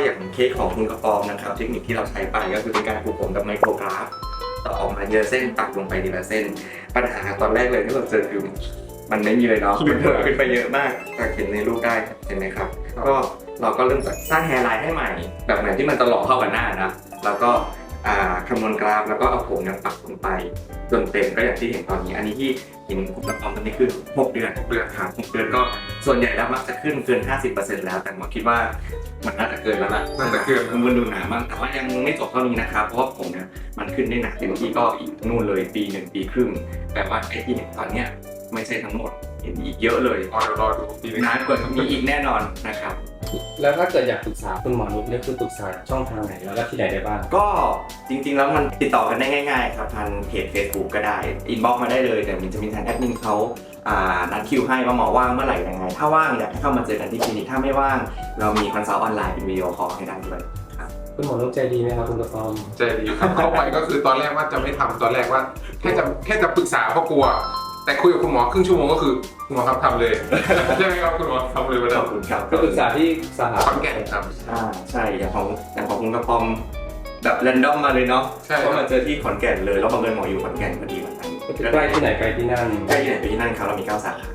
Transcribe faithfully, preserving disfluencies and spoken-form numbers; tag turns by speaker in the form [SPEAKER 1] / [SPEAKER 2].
[SPEAKER 1] อย่างเค้กของคุณกระปอมนะครับเทคนิคที่เราใช้ไปก็คือเป็นการปลูกผมกับไมโครกราฟต่อออกมาเยอะเส้นปักลงไปทีละเส้นปัญหาตอนแรกเลยที่เราเจอคือมันไม่มีเลยเนาะมันเพิ่มขึ้นไปเยอะมากก็เห็นในรูปได้เห็นไหมครับก็เราก็เริ่มจากสร้างแฮร์ไลน์ให้ใหม่แบบไหนที่มันตลอดเข้ากับหน้านะแล้วก็คำนวณกราฟแล้วก็เอาผมเนี่ยปักลงไปจนเต็มก็อย่างที่เห็นตอนนี้อันนี้ที่เห็นคุณกระปอมตอนนี้คือหกเดือนหกเดือนครับหกเดือนก็ส่วนใหญ่แล้วมักจะขึ้นเกิน ห้าสิบเปอร์เซ็นต์ แล้วแต่ผมคิดว่ามันน่าจะเกินแล้วล่ะน่าจะเกินมันดูหนามากแต่ว่ายังไม่จบเท่านี้นะครับเพราะว่าผมเนี่ยมันขึ้นได้หนักเต็มที่ก็อีกนู่นเลยปีหนึ่งปีครึ่งแต่ว่าไอ้ที่เห็นตอนเนี้ยไม่ใช่ทั้งหมดเห็นอีกเยอะเลยรอรอดูปีนานกว่ามีอีกแน่นอนนะครับ
[SPEAKER 2] แล้วถ้าเกิดอยากปรึกษาคุณหมอนุชเนี่ยคือปรึกษาช่องทางไหนแล้วก็ที่ไหนได้บ้าง
[SPEAKER 1] ก็จริงๆแล้วมันติดต่อกันได้ง่ายๆครับทางเพจ Facebook ก็ได้อินบ็อกซ์มาได้เลยแต่มันจะมีทางแอดมินเขานัดคิวให้ว่าหมอว่างเมื่อไหร่ยังไงถ้าว่างอยากให้เข้ามาเจอกันที่คลินิกถ้าไม่ว่างเรามีคอนซัลท์ออนไลน์เป็นวิดีโอคอลให้ได้ด้วยครับ
[SPEAKER 2] คุณหมอนุชใจดีไหมครับคุณกระปอม
[SPEAKER 3] ใจดีครับเข้าไปก็คือตอนแรกว่าจะไม่ทำตอนแรกว่าแค่จะแค่จะปรึกษาเพราะกลัวแต่คุยกับคุณหมอครึ่งชั่วโมงก็คือคุณหมอครับทำเลยใช่ไหมครับคุณหมอทำเลยวันนั้
[SPEAKER 1] นขอบคุณครับ
[SPEAKER 2] ก็ปรึกษาที่สาขา
[SPEAKER 3] ขอนแก่นครับ
[SPEAKER 1] อ่าใช่อย่างของอย่างของคุณกระปอมแบบแรนดอมมาเลยเนาะเพราะมาเจอที่ขอนแก่นเลยแล้วบังเอิญหมออยู่ขอนแก่นพอดีวันนั้น
[SPEAKER 2] ใกล้ที่ไหนไปที่นั่น
[SPEAKER 1] ใกล้ที่ไหนไปที่นั่นครับเรามีเก้าสาขา